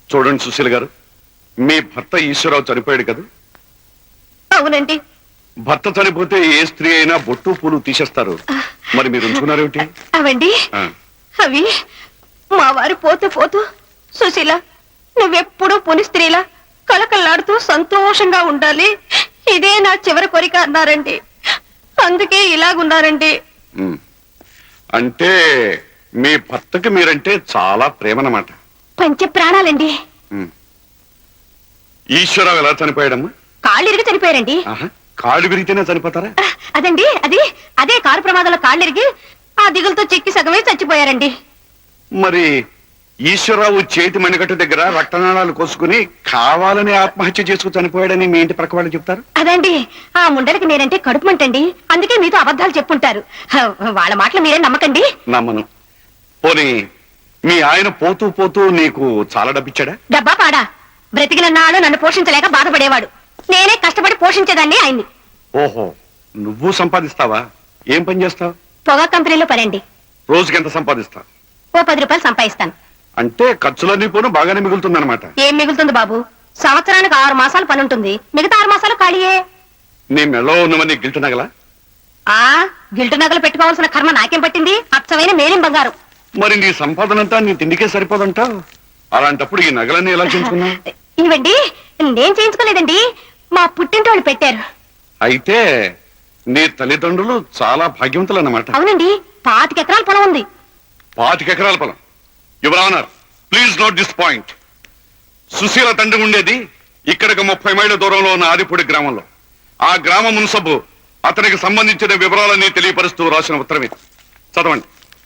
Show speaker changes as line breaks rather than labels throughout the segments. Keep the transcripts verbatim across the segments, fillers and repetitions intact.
చూడండి సుశీల గారు, మీ భర్త ఈశ్వరరావు చనిపోయాడు కదా?
అవునండి.
భర్త చనిపోతే ఏ స్త్రీ అయినా బొట్టు పూలు తీసేస్తారు, మరి మీరు ఉంచుకున్నారేమిటి?
అవండి అవి మా వారు పోతూ పోతూ, సుశీల నువ్వెప్పుడు పుని స్త్రీలా కలకల్లాడుతూ సంతోషంగా ఉండాలి, ఇదే నా చివరి కోరిక అన్నారండి. అందుకే ఇలాగున్నారండి.
అంటే మీ భర్తకి మీరంటే చాలా ప్రేమనమాట.
పంచ ప్రాణాలండి.
ఈశ్వరరావు ఎలా చనిపోయాడమ్మా?
కాళ్ళు ఇరిగి చనిపోయారండి.
కాళ్ళు విరిగితేనే చనిపోతారా?
అదండి అది అదే కారు ప్రమాదంలో కాళ్ళు ఇరిగి ఆ దిగులతో చెక్కి సగమే చచ్చిపోయారండి.
మరి ఈశ్వరరావు చేతి మణికట్టు దగ్గర రక్తనాళాలు కోసుకుని కావాలని ఆత్మహత్య చేసుకు చనిపోయాడని మీ ఇంటి ప్రక్క వాళ్ళు చెప్తారు.
అదండి ఆ ముండలకి నేనంటే కడుపు మంటండి, అందుకే మీతో అబద్ధాలు చెప్పుంటారు. వాళ్ళ మాటలు మీరే నమ్మకండి.
నమ్మను. పోనీ మీ ఆయన పోతూ పోతూ నీకు చాలా డబ్బిచ్చాడా?
డబ్బా పాడా, బ్రతికిన నాడు నన్ను పోషించలేక బాధపడేవాడు, నేనే కష్టపడి పోషించేదాన్ని ఆయన్ని.
ఓహో, నువ్వు సంపాదిస్తావా? ఏం పని చేస్తావు?
పొగా కంపెనీలో పనండి.
రోజుకి ఎంత సంపాదిస్తావు?
ఓ పది రూపాయలు సంపాదిస్తాను.
అంటే ఖర్చులన్నీ పోను బాగానే మిగులుతుందన్నమాట.
ఏం మిగులుతుంది బాబు, సంవత్సరానికి ఆరు మాసాలు పని ఉంటుంది, మిగతా ఆరు మాసాలు ఖాళీయే.
నీ మెళ్ళో ఉన్నవన్నీ గిల్టు నగలా?
ఆ గిల్టు నగలు పెట్టుకోవాల్సిన కర్మ నాకేం పట్టింది, అచ్చమైన మేలిం బంగారం.
మరి నీ సంపాదనంతా నీ తిండికే సరిపోదంటావు, అలాంటప్పుడు ఈ నగలన్నీ ఎలా చేయించుకున్నావు?
ఇవండి నేను చేయించుకోలేదండి, మా పుట్టింటి వాళ్ళు పెట్టారు.
అయితే నీ తల్లిదండ్రులు చాలా భాగ్యవంతులు అన్నమాట.
అవునండి, పాతిక ఎకరాల పొలం ఉంది.
పాతిక ఎకరాల పొలం? Your honour, please note this point. Sushila తండ్రి ఉండేది ఇక్కడికి ముప్పై మైళ్ళ దూరంలో ఉన్న ఆదిపూడి గ్రామంలో. ఆ గ్రామ మున్సబు అతనికి సంబంధించిన వివరాలన్నీ తెలియపరుస్తూ రాసిన ఉత్తరం ఇది. చదవండి.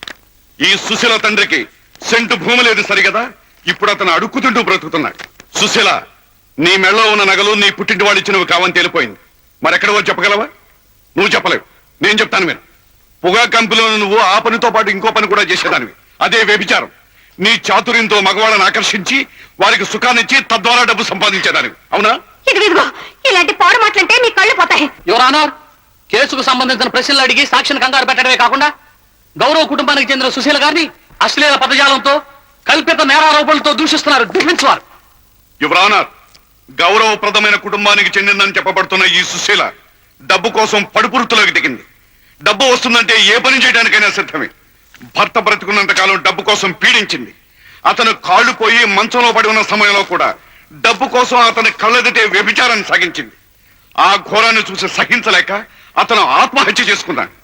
ఈ సుశీల తండ్రికి సెంటు భూమి లేదు సరిగదా, ఇప్పుడు అతను అడుక్కుతుంటూ బ్రతుకుతున్నాడు. సుశీల, నీ మెళ్ళలో ఉన్న నగలు నీ పుట్టింటి వాడు ఇచ్చినవి కావని తేలిపోయింది. మరెక్కడవో చెప్పగలవా? నువ్వు చెప్పలేవు, నేను చెప్తాను. మీరు పొగా కంపెనీలో నువ్వు ఆ పనితో పాటు ఇంకో పని కూడా చేసేదానివి, అదే వ్యభిచారం. నీ చాతుర్యంతో మగవాళ్ళని ఆకర్షించి వారికి సుఖాన్నిచ్చి తద్వారా డబ్బు సంపాదించేదానివి, అవునా?
ఇదిగో ఇలాంటి పాడు మాటలంటే నీ కళ్ళు పోతాయి.
యువర్ ఆనర్, కేసుకు సంబంధించిన ప్రశ్నలు అడిగి సాక్షిని కంగారు పెట్టడమే కాకుండా గౌరవ కుటుంబానికి చెందిన సుశీల గారిని అశ్లీల పదజాలంతో కల్పిత నేరారోపణలతో దూషిస్తున్నారు. దుఃఖించువారు.
యువర్ ఆనర్, గౌరవప్రదమైన కుటుంబానికి చెందిందని చెప్పబడుతున్న ఈ సుశీల డబ్బు కోసం పడుపురుతులోకి దిగింది. డబ్బు వస్తుందంటే ఏ పని చేయడానికైనా సిద్ధమే. భర్త బ్రతుకున్నంత కాలం డబ్బు కోసం పీడించింది. అతను కాళ్ళు పోయి మంచంలో పడి ఉన్న సమయంలో కూడా డబ్బు కోసం అతని కళ్ళెదిటే వ్యభిచారాన్ని సాగించింది. ఆ ఘోరాన్ని చూసి సహించలేక అతను ఆత్మహత్య చేసుకున్నాడు.